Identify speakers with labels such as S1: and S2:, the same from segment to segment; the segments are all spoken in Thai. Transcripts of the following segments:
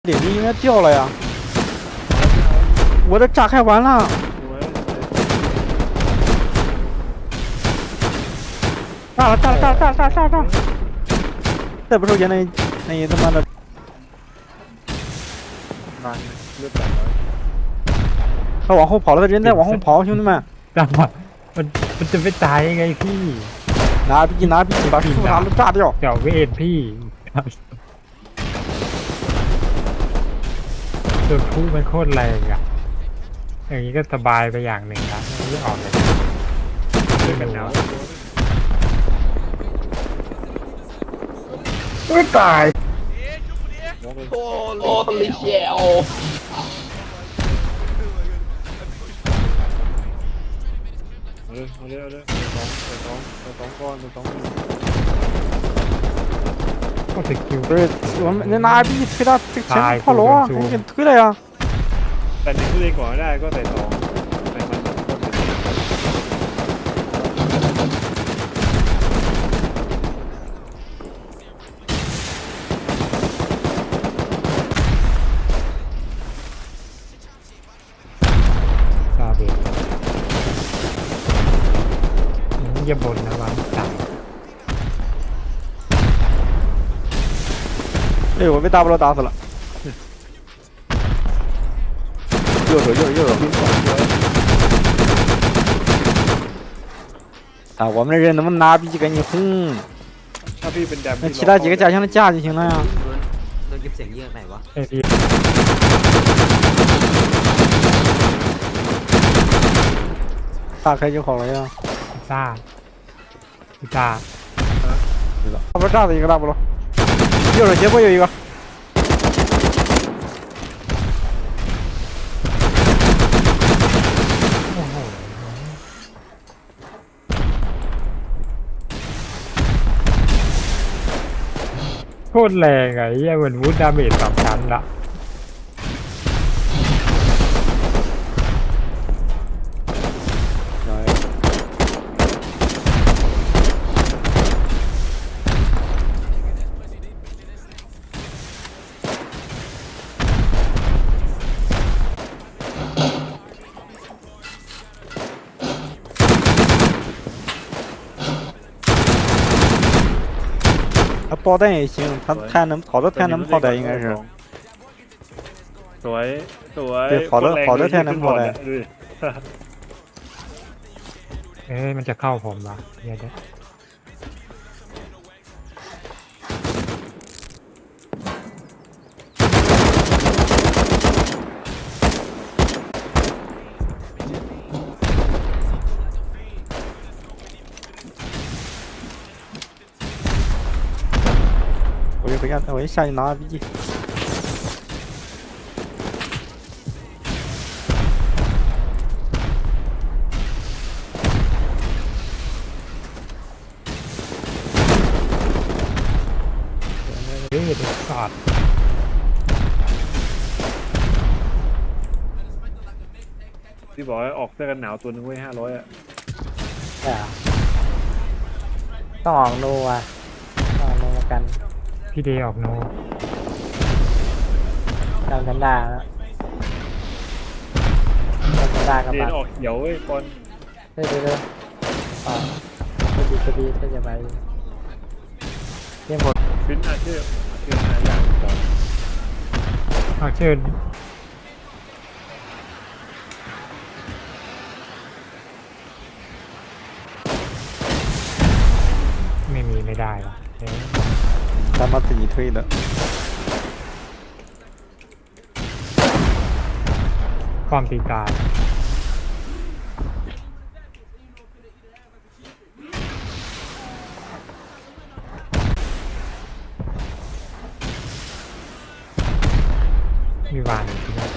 S1: 领子应该掉了呀！我的炸开完了，炸了！再不收钱那他妈的！他往后跑了，人在往后跑，兄弟们！
S2: 干嘛มันจะไม่ตายยังไงพี่
S1: 拿币，把树啥都炸掉！
S2: เดี๋ยวเวทพี่ตัวผู้มันโคตรแรงอ่ะอย่างนี้ก็สบายไปอย่างหนึ่งนะไม่ออกเลยด้วยกันเนาะไม่ตาย
S3: โอ้ลิเชียว
S4: เอาเลยสองก้อน
S2: โอ้สกิล
S1: 不是，我们那拿币推他这前面炮楼啊，赶紧推了呀！
S4: แต่หนึ่งตัวเองก่อนได้ก็ใส่สองใส่มันก็ใส่
S2: ซาเบตอย่าบ่นนะวางตาย
S1: 哎呦，我被大不了打死了！右手！啊，我们的人能不能拿币赶紧轰？
S4: ถ้าพี่เป็นแดม
S1: 那其他几个加强的架就行了呀。
S3: โดนเก็บเสียงเยอะไหนวะ
S2: ไอ้พี่
S1: 炸开就好了呀。
S2: ซ่าพี่ตา
S1: 大不炸死一个大不了，右手斜坡有一个。
S2: โอ้โหโคตรแรงอ่ะไอ้เหี้ยเหมือนวูดดาเมจสองชั้นละ
S1: 他爆弹也行，他太能跑的太能炮弹应该是。
S4: สวย
S1: 对好的太能跑的
S2: เอ้ยมันจะเข้าผมละเดี๋ยว
S1: 我一下去拿 RPG。
S2: เฮ้ยเด็กสัตว์
S4: ที่บอกให้ออกเสื้อกันหนาวตัวนึงไว้500อ่ะ
S5: ต้องออกโนอ่ะต้องออกโนกัน
S2: พี่เดย์ออกโน
S5: จำกันได้แล้วจำกันได้กับ
S4: เด
S5: บั
S4: น
S5: ตร
S4: ออกเขียวเว้ยก่อน
S5: เดี๋ยวอ่าก็ดีถ้าจะไปเยี่ยมหมด
S4: ฟินอาเชื่อหาอย่างก่อน
S2: เอาเชิญไม่มีไม่ได้หรอเอ๊ะ
S1: 他妈自己推的。
S2: ความตีตายมีวานอีกทีนะ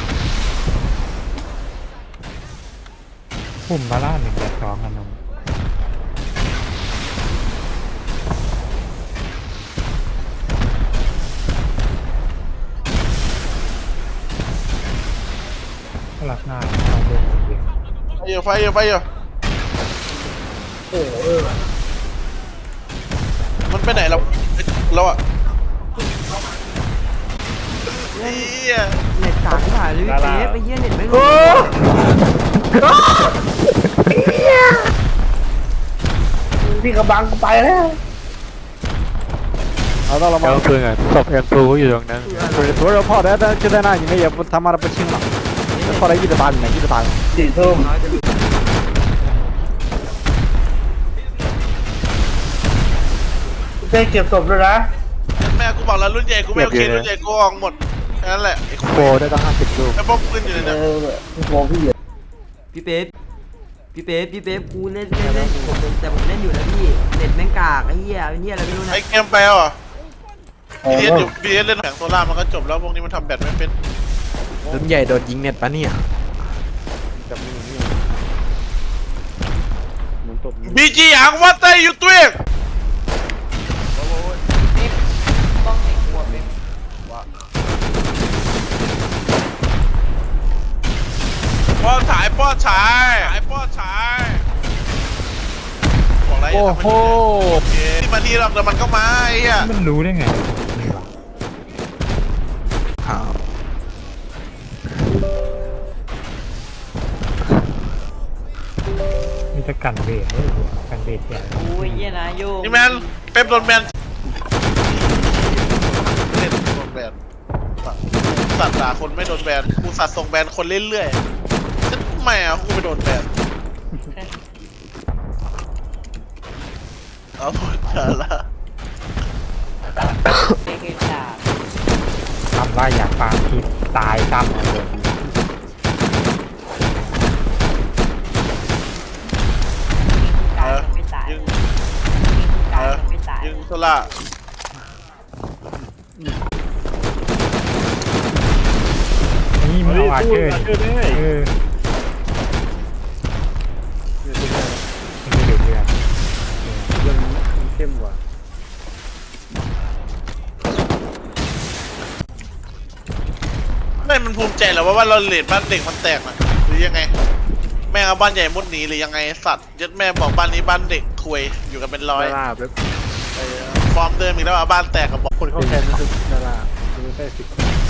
S2: ปุ่มบาร่า1.2กันนงก็รับหน้าต้องเล่นคนเดียว
S3: ไฟอยู่โอ้มันไปไหนเราอะเหี้ย
S6: เน็ตกากที่ถ่ายเลยพี่เป๊ะไปเยี่ยเน็ตไม่รู้
S5: พี่กระบังไปแล้ว
S1: เอา到了吗？
S2: ปืนอ่ะศพเอ็มทูอยู่ตรงนั้น
S1: 不是，昨儿炮台就在那，你们也不他妈的不清了，那炮台一直打你们，一直打你们。
S5: 4 ทุ่ม เต้เก็บศพด้วยนะ
S3: แม่กูบอกแล้วรุ่นใหญ่กูไม่โอเครุ่นใหญ่กูออกหมดแค่นั้นแหละไอ้
S1: โบได้ตั้ง50ลูก
S3: ไอ้พวกปืนอยู่ใน
S5: เอ
S3: นั้น
S5: อพี่โมพี่เหยียด
S6: พี่เป๊ะพี่เป๊ะกูเล่นแต่ผมเล่นอยู่นะพี่เน็ตแม่งกากไอ้เหี้ยเป็นเหี้ยอะไรไม่รู้นะ
S3: ไอ้เกมแปลว่ะบีเอสอยู่บีเอสเล่นแผงโซล่ามันก็จบแล้วพวกนี้มันทำแบตไม่เป็น
S1: รุ่นใหญ่โดนยิงเน็ตปะเนี่ย
S4: หมุนตบ
S3: บีจีอังวัตเตอร์อยู่ตัวเองป้อนฉายบอกอะไร
S1: โอ้โห
S3: ที่มาที่เราแต่มันก็มาไอ้เหี้ย
S2: มันรู้ได้ไงนี่วะมีแต่กันเบสด้วยกันเบสเนี่ย
S6: โอ้ยเหี้ยนะโย
S3: นี่แมนเป๊ปโดนแบนเล่นโดนแบนสัตว์ด่าคนไม่โดนแบนกูสัตว์ส่งแบนคนเรื่อยๆฉันไม่อะกูไปโดนแบนเอาหมดละ
S2: ทำว่าอยากปาทิพตายซ้ำเลย
S3: ยิงยิงโซล่า
S2: นี่มันเอาอาเชอร์
S4: เจอได้
S2: เออมันไม่ดูเรื่อง
S4: ยังเข้มกว่า
S3: ไม่มันภูมิใจเหรอว่าเราเลดบ้านเด็กมันแตกนะหรือยังไงแม่งเอาบ้านใหญ่มุดหนีหรือยังไงสัตว์ยัดแม่บอกบ้านนี้บ้านเด็กคุยอยู่กันเป็นร้อย
S4: ดาราแบบ
S3: ฟอร์มเดิมอีกแล้วอ่ะบ้านแตกกับบอก
S4: คนเข้าแทนคือดาราคือไม่ใช่สิ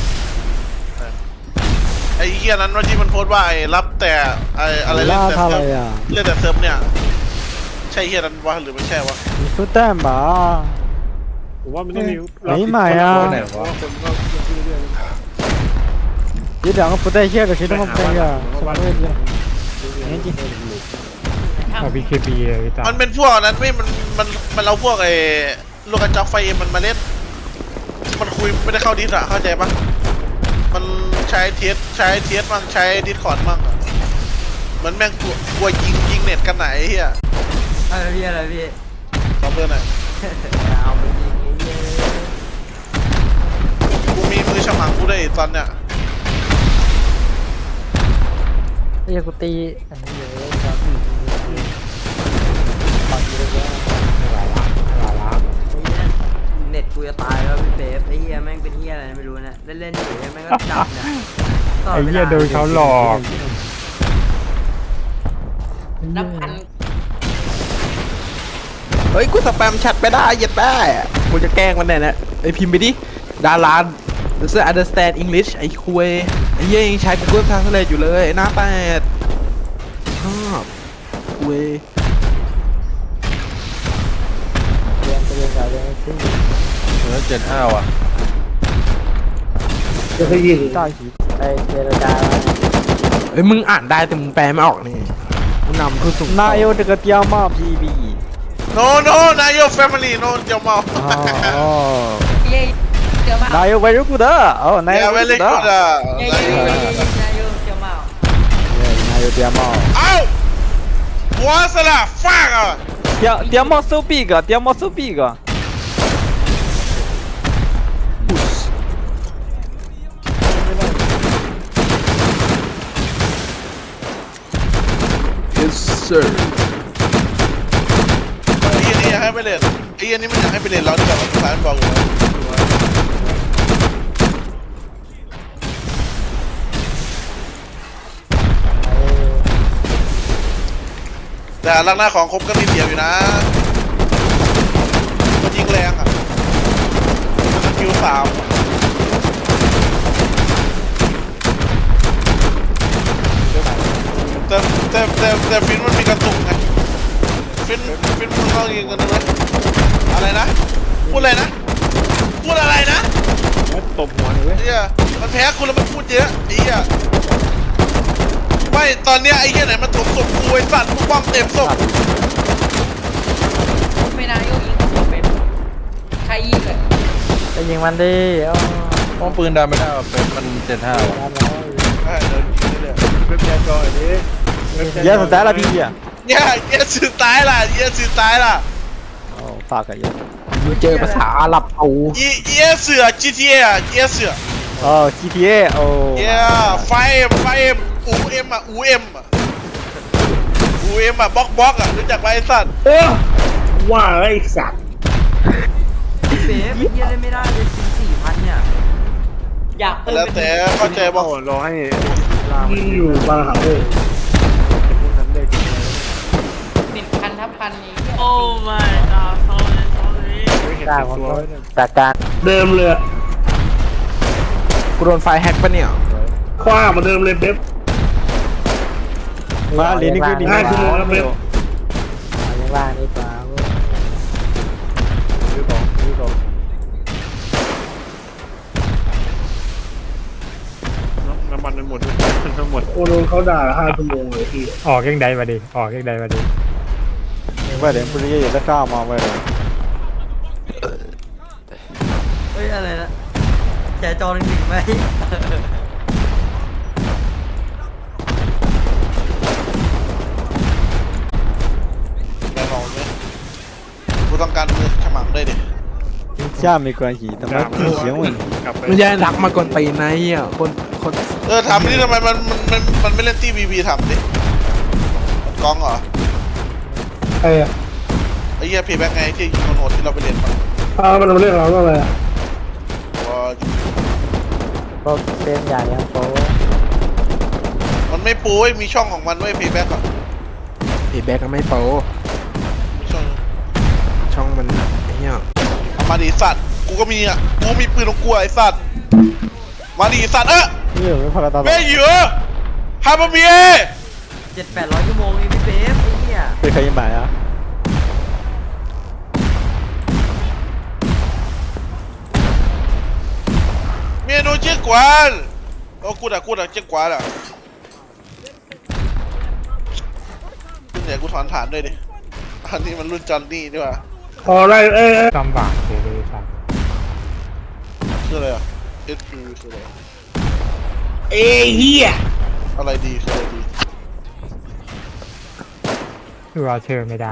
S3: ไอ้เหี้ยนั้นว่าที่มันโพสต์ว่าไอ้รับแต่ไอ้อะไรเล่นแต่เซิร์ฟเล่นแต่เซิร์ฟเนี่ยใช่เหี้ยนั้นวะหรือไม่ใช่วะ
S1: 你说蛋吧？
S4: ผมว่ามันต้องมี
S1: 哎呀妈呀！
S4: คนก็เรื่อย
S1: 这两个不带线的，谁他妈不带线？什么位置？年纪。
S2: เอาบีเคบีเลยพี่ตา
S3: มันเป็นพวกนั้นไม่มันเอาพวกไอ้ลูกกระจอกไฟเอ็มมันมาเล่นมันคุยไม่ได้เข้าดิสอะเข้าใจปะมันใช้เทียสมั่งใช้ดิสคอร์ดมั่งอะเหมือนแม่งกลัวยิงเน็ตกันไหนเฮีย
S6: อะไรพี่
S3: ตอบเบอร์หน่อย
S6: เอาไปยิงไอ้เหี้ย
S3: กูมีมือฉมังกูได้ตอนเนี้ย
S5: ไอ้กูตีอันนี้เยอะครับบางทีก็เยอะ
S2: ไม่ไหวละไม่ไหวละ
S6: ไอ้เหี้ยเน็ตกูจะตายแล้วพี่เป๊ะไอ้เหี้ยแม่งเป็นเหี้ยอะไรไม่รู้นะเล่นอยู่แม่งก็จับเนี่ย
S2: ไอ้เหี้ยโดนเขาหลอก
S6: นับพัน
S1: เฮ้ยกูสแปมแชทไปได้ยัดได้กูจะแกล้งมันแน่นะไอพิมพ์ไปดิดารา doesn't understand English ไอ้คุยไอ้เหี้ยยังใช้ Google Translate อยู่เลยไอ้หน้าแปดชอบคุย
S5: เรียนไปเรียนกับเรียนซิ่ง
S1: 75ว่ะ
S5: จะไปยิงต่อหีไปเจรจา
S1: เอ้ยมึงอ่านได้แต่มึงแปลไม่ออกนี่มึงนำคือสุ่ม哪有这个屌毛 PB
S3: no no นายโย family no เจ้าเมา
S1: 哦哪有 very good 哦哪
S3: เนี่ย
S1: 有
S3: เว
S1: very
S3: ลิ
S1: good
S3: กูดอ่ะ
S1: 哪有屌毛
S3: เอ้าหัวสละฟังอ่ะ
S1: 屌毛 so big 屌毛 so big Yes sir
S3: ไอ้เหี้ยนี่อยากให้ไปเล่นไอ้เหี้ยนี่มันอยากให้ไปเล่นเราจะแบบสายบอกอยู่แล้วแต่ลักหน้าของคมก็มีเสียบอยู่นะมันยิงแรงอ่ะมันคิว3 แต่ฟินมันมีกระตุกไงฟินมันต้องยิงกันเลยอะไรนะพูดอะไรนะพูดอะไรนะ
S4: แล้วตบหัวหน่อยเว้ย
S3: ไอ้เหี้ยมันแพ้คุณแล้วมันพูดเยอะไอ้เหี้ยไม่ตอนเนี้ยไอ้เหี้ยไหนมันถมศพกูไอ้สัตว์มึงบ้องเต็มศพ
S7: ไม่นายกยิงผมเป็นใครยิงเลย
S5: ไปยิงมันดิอ๋อ
S1: ป้องปืนดันไม่ได้ว่ะเป็นมัน75ว่ะ
S5: ทำแล้ว
S3: เดินยิงเลย
S4: เว็บแชร์จอยดิเว็บแชร์
S5: เยอะสุดแล้วละพี่อ่ะ
S3: เนี่ยเหี้ยสื่อตายล่ะเหี้ยสื่อตายล่ะ
S5: โอ้ฝากกันเยอะ
S1: มึงเจอภาษาอาหรับเอา
S3: เหี้ยเสือ GTA อ่ะเหี้ยเสือ
S5: โอ้ GTA โอ้
S3: เหี้ยไฟเอ็มอูเอ็มอ่ะอูเอ็มอ่ะบล็อกอ่ะรู้จักไหมไอ้สัตว์
S4: ว่าไอ้สัตว์
S6: พี่เป๊ปเฮียเล่นไม่ได้เลย4,000เนี่ย
S7: อยากเติม
S3: แล้วแต่เข้าใจบอก
S4: รอให้ลามันอยู่บางหาเลยพวกนั้นได้กินอะไร
S7: 1,000 ทับพันนี้
S8: โอ้ my god sorry sorry
S4: ไม่เห็น
S5: จ้า
S4: ติด
S5: ผม
S4: ตัว
S5: ก็
S4: ไว้เนี่ย
S5: จากการ
S4: เดิมเลย
S1: กูโดนไฟแฮกปะเนี่ย
S4: คว้ามาเดิมเลยเป๊ป
S5: มาเรียนนี่คือดี
S4: 5 ชั่วโมงแล้วเป๊ป
S5: เอายังล่างดีกว่าเว้ย
S4: ซื้อของน้ำมันมันหมดทั้งหมดโอ้โดนเขาด่า5 ชั่วโมงเลยพี่
S2: ออกยังใดมาดิออกยังใดมาดิ
S5: ว่าเดี๋ยวพรุ่งนี้จะได้ข้าวมาไว้เลย
S6: เฮ้ยอะไรนะแชร์จอหนึ่งไหม
S3: แม่บอกเลยกูต้องการมือฉมังด้วยดิ
S5: 下没关系他妈不行问题
S4: กลับไป
S1: ไม่ใช่รักมากวนตีนนะไอ้เหี้ยคน
S3: ทำนี่ทำไมมันไม่เล่นที่บีบีทำดิกองเหรอ
S4: ไอ้
S3: ไอ้เหี้ยเพย์แบ็กไงที่ยิงโหดที่เราไปเรียนมา
S4: มันมาเรียกเราว่าอะไร
S3: ว่า
S5: พวกเต้นอย่างเงี้ยโป๊
S3: มันไม่ปูเว้ยมีช่องของมันเว้ยเพย์แบ็กอ่ะ
S1: ไอ้แบ็กก็ไม่โป
S3: มีช่อง
S1: ช่องมันไอ้เหี้ย
S3: เอามาดิสัตว์กูก็มีอ่ะกูมีปืนของกูไอ้สัตว์มาดิสัตว์
S5: นี่ไม่พอกันตลอด
S3: แม่เหยื่อฮาบะเมีย
S6: 700-800 ชั่วโมงเองพี่เป๊ปไอ้เหี้ย
S5: เคย买啊
S3: เมียโนเจ๊กวนโอ้กูด่าเจ๊กวนอ่ะรุ่นใหญ่กูถอนฐานด้วยดิอันนี้มันรุ่นจอนนี่นี่หว่า
S4: พอได้
S2: จำบากเลยสัตว์
S3: คืออะไรอ่ะ SP คืออะไร
S4: เฮีย
S3: อะไรดีคืออะไรดี
S2: คือเอาเชิญไม่ได้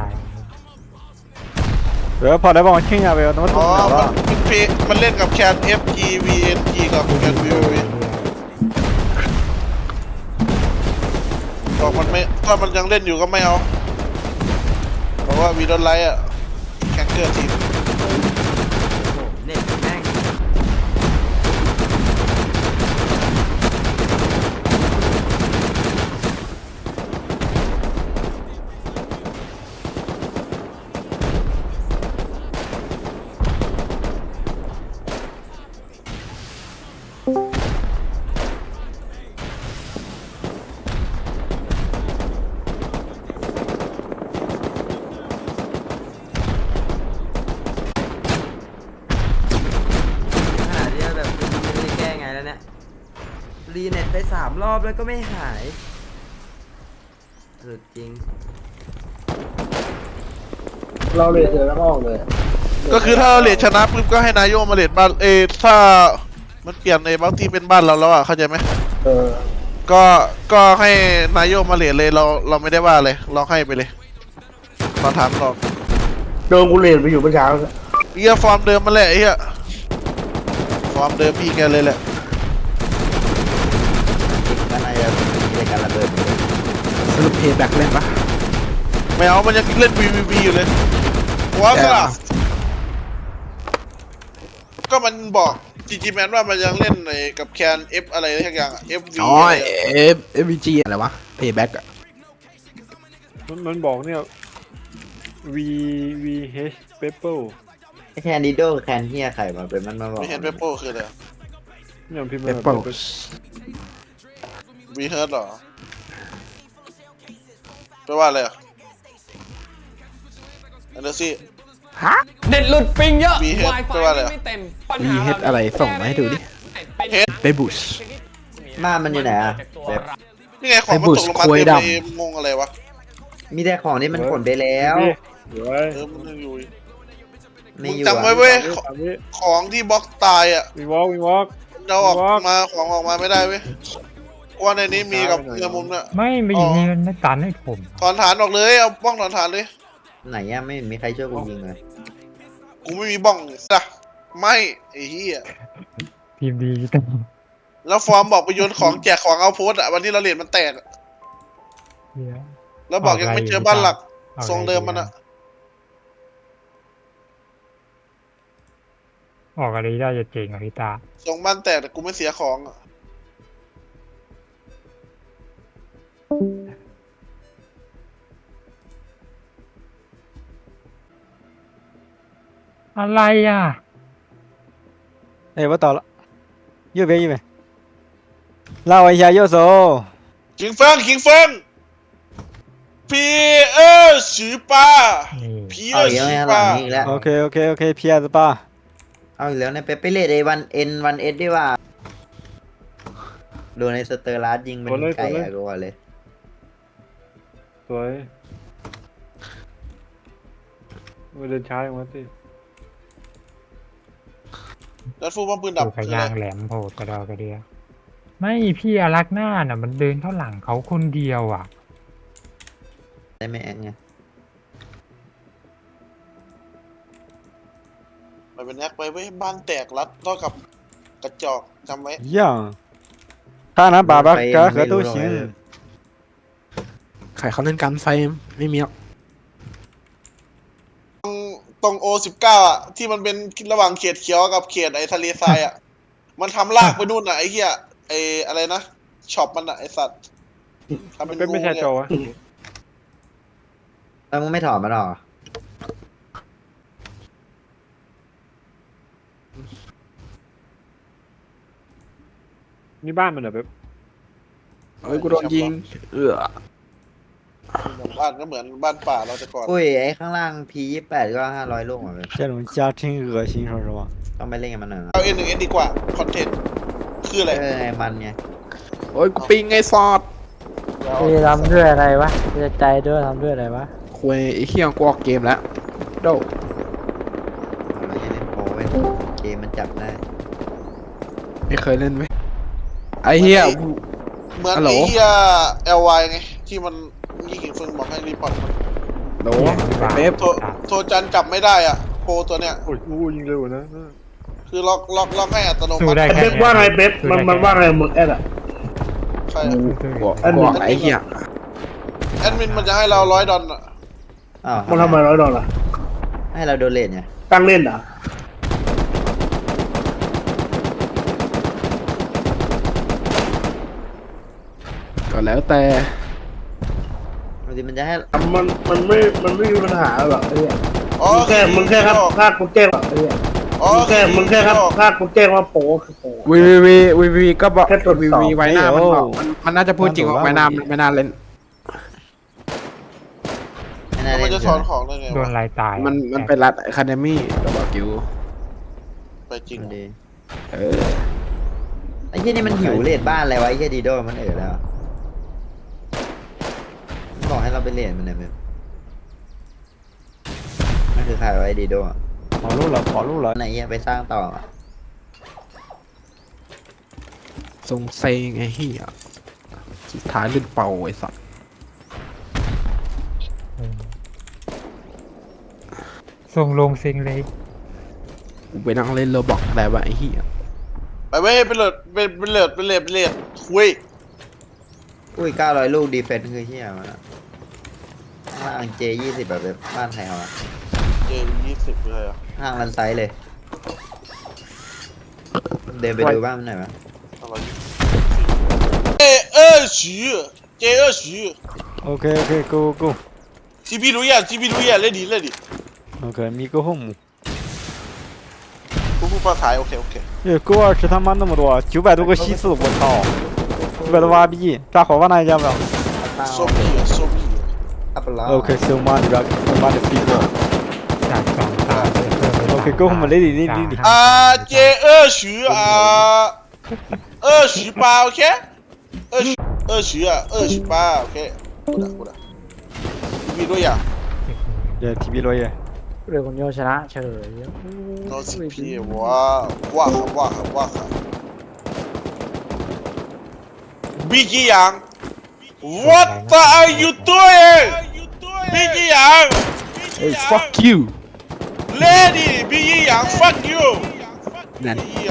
S5: เดี๋ยวพอได้บอกว่าชิงอ่ะเบลต้องมา
S3: อ๋
S5: ทุ่
S3: อ
S5: มแล้ว
S3: มันเพมันเล่นกับแคน FGVNG กับแคน VVV บอกมันไม่ถ้ามันยังเล่นอยู่ก็ไม่เอาเพราะว่าวีดอนไลท์อ่ะแข่งเกอร์ทีม
S6: เน็ตแม่ง ขนาดที่แบบไม่ได้แก้ไงแล้วเนี่ยรีเน็ตไป3 รอบแล้วก็ไม่หายสุดจริง
S4: เราเลยเจอแล้วออกเลย
S3: ก็คือถ้าเราเลทชนะปุ๊บก็ให้นายโยมาเลทบ้านถ้ามันเปลี่ยนบางทีเป็นบ้านเราแล้วอ่ะเข้าใจไหมก็ให้นายโยมาเลทเลยเราไม่ได้ว่าเลยเราให้ไปเลยตอนถามเรา
S4: โดนกูเลนไปอยู่เมื่อเช้า
S3: เฮียฟอร์มเดิมมาแหละไอ้เฮียฟอร์มเดิมพี่แกเลยแหละ
S1: สรุปเพย์แบ็กเล่นปะ
S3: ไม่เอามันยังเล่น VVV อยู่เลยว้าวสลับก็มันบอกจีจีแมนว่ามันยังเล่นในกับแคน F อะไรทักอย่างอ่ะ FV
S1: อ๋อ
S3: อะไรอะ
S1: FVG อะไรวะเพย์แบ็กอะ
S4: มันบอกเนี่ย VH Pepper
S9: แคนดิโดแคนเฮียไข่มาเป็นมันมาบอก
S3: ไม่เห็นเปโป้คืออะไร
S4: เนี่ยพิมพ์
S1: เป
S4: มา
S1: เปิล
S3: วีเฮิร์ตหรอแปลว่าอะไรอ่ะอันเดอร์ซี่
S1: ฮะ
S7: เน็ตหลุดปิงเยอะ
S3: วีเฮด
S7: Wi-Fi
S3: แปลว่าอะไร
S7: ไม่เต็มปัญ
S1: วี
S7: หา
S1: เฮดอะไรส่งมาให้ดูดิ
S3: เฮด
S1: ไปบุช
S9: บ้านมันอยู่ไหนอะแบบ
S3: นี่ไงของมันตกลงมา
S1: ไอ้บุชควย
S3: เต็ม
S1: ดำ
S3: เลยงงอะไรวะ
S9: มีแต่ของที่มันขนไปแล้ว
S4: เดี๋ยวไว้
S3: มันยังอยู่อีก
S9: ไม่
S3: มึง
S9: อยู่
S3: จำไว้เว้ย
S4: ตามนี้
S3: ของที่บล็อกตายอ่ะ
S4: วิ่งวอล์กวิ่งวอล์ก
S3: เราออกมาของออกมาไม่ได้เว้ยว่าในนี้มีกับเรือมุมเนี่ย
S2: ไม่มาอยู่นี่มันไม่ตันให้ผม
S3: ถอนฐานออกเลยเอาบ้องถอนฐานเลย
S9: ไหนอะไม่มีใครช่วยกูยิงเลย
S3: กูไม่มีบ้องจ้ะไม่ไอ้เหี้ย
S2: ทีมดีจัง
S3: แล้วฟอร์มบอกไปโยนของแจกของเอาโพสต์อ่ะวันที่เราเหรียญมันแตกอะ
S2: เหี้ย
S3: แล้วบอกยังไม่เจอบ้านหลัก
S2: เอา
S3: ทรงเดิมมันอ่ะ
S2: ออกอะไรได้จะเจ๋งอ่ะพี่ตา
S3: ทรงบ้านแตกแต่กูไม่เสียของอะ
S2: อะไรอ่ะ
S5: 哎，我到了，右边右边，拉我一下右手。
S3: คิงเฟิงคิงเฟิงพีสือปลา
S2: นี่
S3: พี
S9: เอาอีก
S3: สื
S9: แล้ว
S3: อ
S9: ไงห
S3: ป
S9: ลั
S3: ลาง
S9: นี้อีกแล้ว
S5: OK OK OK PS8。
S9: เอาอีกแล้วเนี่ยไปเลดไอ้วันเอสดีว่าโดนในสเตอร์ลาร์ยิงเป็นไก่อะกูว่าเลย
S4: สวยมาเดินช้าอย่างวะสิ
S3: แล้วฟูบ้องปืนดับ
S2: ดูกระ
S3: คืออะไร
S2: ยางแหลมโผล่กระดอกระเดีย ไม่พี่อารักหน้าน่ะ มันเดินเข้าหลังเขาคนเดียวอ่ะ
S9: ได้ไหมแอนไง
S3: มันเป็นแอคไปเว้ยบ้านแตกรัดเท่ากับกระจอกจำไว้
S5: 一样，他拿粑粑干喝都行。
S1: ใครเขาเล่นกันไฟไม่มีหรอก
S3: ตรงO19อ่ะที่มันเป็นระหว่างเขตเขียวกับเขตไอ้ทะเลทรายอ่ะ มันทำลากไปนู่นอ่ะไอ้เหี้ยไอ้อะไรนะช็อปมันอ่ะไอ้สัตว์ทำ
S4: มัน
S3: เป็
S4: เป็น นไม่ใช่โจวะ
S9: แล้วมึงไม่ถอดมันหรอ
S4: นี่บ้านมันเหรอแบบ
S1: เอ้ยกูโดนยิง
S3: บ้านก็เหมือนบ้านป่าเราแต่ก่อน
S9: อุ้ยไอ้ข้างล่าง P28 ก็500ลูกเหมือนกัน
S5: 这种家真恶心，说实话。
S9: ต้องไปเล่นกับมันหน่อยนะ
S3: เอาN1Sดีกว่าคอนเทนต์คืออะไร
S9: ไอ้มันไง
S1: โอ้ยกูปิงไงซอด
S5: พี่ทำด้วยอะไรวะพี่ใจด้วยทำด้วยอะไรวะ
S1: คุยไอ้เหี้ยกูออกเกมแล้วโด
S9: เราจะเล่นโปรเว้ยเกมมันจับได้
S1: ไม่เคยเล่นไหมไอ้เหี้ย
S3: เหมือน
S1: ฮัลโหล
S3: ไอ้เหี้ย LY ไงที่มันยี่ขิงเฟิงบอกให้รีพอร์ตมัน
S1: โดเป๊ป
S3: โทรจันจับไม่ได้อ่ะโปรตัวเนี้ย
S4: โอ้ยอู้ยิงเร็วนะ
S3: คือล็อกให้อัตโน
S2: สู้
S3: มัติ
S2: ได้แค่
S10: เป๊ปว่าไงเป๊ปมันว่าไงมึงแอดอะ
S3: ใช่อะ
S1: บอกไอ้เหี้ย
S3: แอดมินมันจะให้เรา$100อ่ะ
S9: อ้าว
S10: มันทำไม$100
S9: ให้เราโดนเลทไง
S10: ตั้งเล่นเหรอ
S1: ก็แล้วแต่
S9: บางทีมันจะให้
S10: มันไม่มีปัญหาหรอกไอ้เนี่ย
S3: อ๋อ
S10: มึงแค่ครับภาคกูแจ้งไอ้เนี่ย
S3: อ๋อ
S10: มึงแค่ครับภาคกูแจ้งว่าโปคือโป
S1: วีก็บอก
S10: แค่ตรวจสอบ
S1: วีไว้หน้ามันบอกมันน่าจะพูดจริงว่าไว้หน้ามันไม่น่าเล่น
S9: ไม่น่า
S3: แล้ว
S9: เล่
S3: มัน
S9: น
S3: จะถอนของได้ไง
S2: โด
S3: วะ
S2: นลายตาย
S1: มันเป็นรัฐอะคาเดมี่ตัวบอกกิว
S3: ไปจริง
S9: มันดี
S1: เออ
S9: ไอ้เหี้ยนี่มันหิวเลทบ้านอะไรวะไอ้เหี้ยดีโดมันแล้วมันบอกให้เราไปเลทมันเนี่ยแบบนั่นคือใครวะไอ้ดีโดอะ
S5: 跑路了，跑路了。
S9: ไหนเหี้ยไปสร้างต่ออะ
S1: ทรงเซงไอ้เหี้ยสุดท้ายเล่นเป่าไอ้สัตว์
S2: ส่งลงเซ็งเลย
S1: กูไปนั่งเล่นโรบอกอะไรวะไอ้เหี้ย
S3: ไปเว้ยไปเลิดคุย
S9: อุ้ย900ลูกดีเฟนส์คือเหี้ยมันอะข้างล่าง J20 แบบบ้านไทยเอาอะ
S3: เจ20เลยอ่ะ
S9: ห้างรันไซส์เลย เดินไปดูบ้านมันหน่อยไหม
S3: อะไรJ20
S5: OK OK Go Go。
S3: GP รู้ยังเล่นดิ
S5: OK Me Go Home。
S3: กูพูดภาษาโอเค
S5: Go 20他妈那么多，900多个西四，我操，900多挖币，炸火把那一家不了。
S3: โซบี้
S9: อัปปะล้อ
S5: Okay, so much, so much people.
S2: จากสองตาไปเพิ่มไป
S5: Okay, go home, lady, lady.
S3: เจ28 OK 28 OK กู的มีด้วยอ่ะ
S5: Yeah, TV lawyer. เรือคนโยชนะเฉย
S3: no CP 哇毕吉阳 What are you doing 毕吉阳
S1: Hey fuck you
S3: Lady 毕吉阳 Fuck you
S1: นั่น
S3: 毕吉阳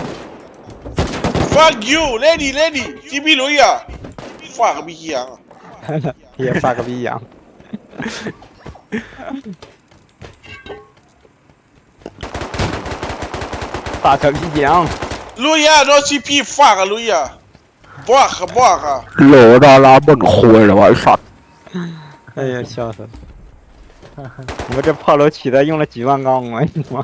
S3: Fuck you Lady 吉比罗呀 Fuck 毕吉阳
S5: Yeah, fuck 逼样。fuck 逼样。
S3: 路亚 no CP Fuck 路亚 Block
S1: โหลดาราบ่นคุยเหรอวะไอ้สัตว์
S5: 哎呀，笑死了！我这炮楼起的用了几万钢啊！你妈！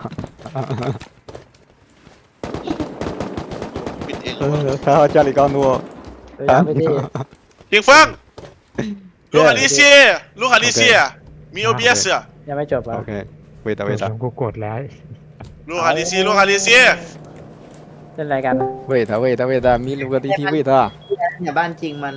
S3: ปิดเอง
S5: 还好家里钢多。 เดี๋ยวไปที่
S3: เพียงฟังลูกฮาริเซียมี OBS อ่ะ
S5: ยังไม่จบอ่ะ
S2: กดแล้วกูกดแล้ว
S3: ลูกฮาริเซีย
S5: เล่นอะไรกัน
S2: เวทมีลูกกระตีที่เวท
S9: เนี่ยบ้านจริงมัน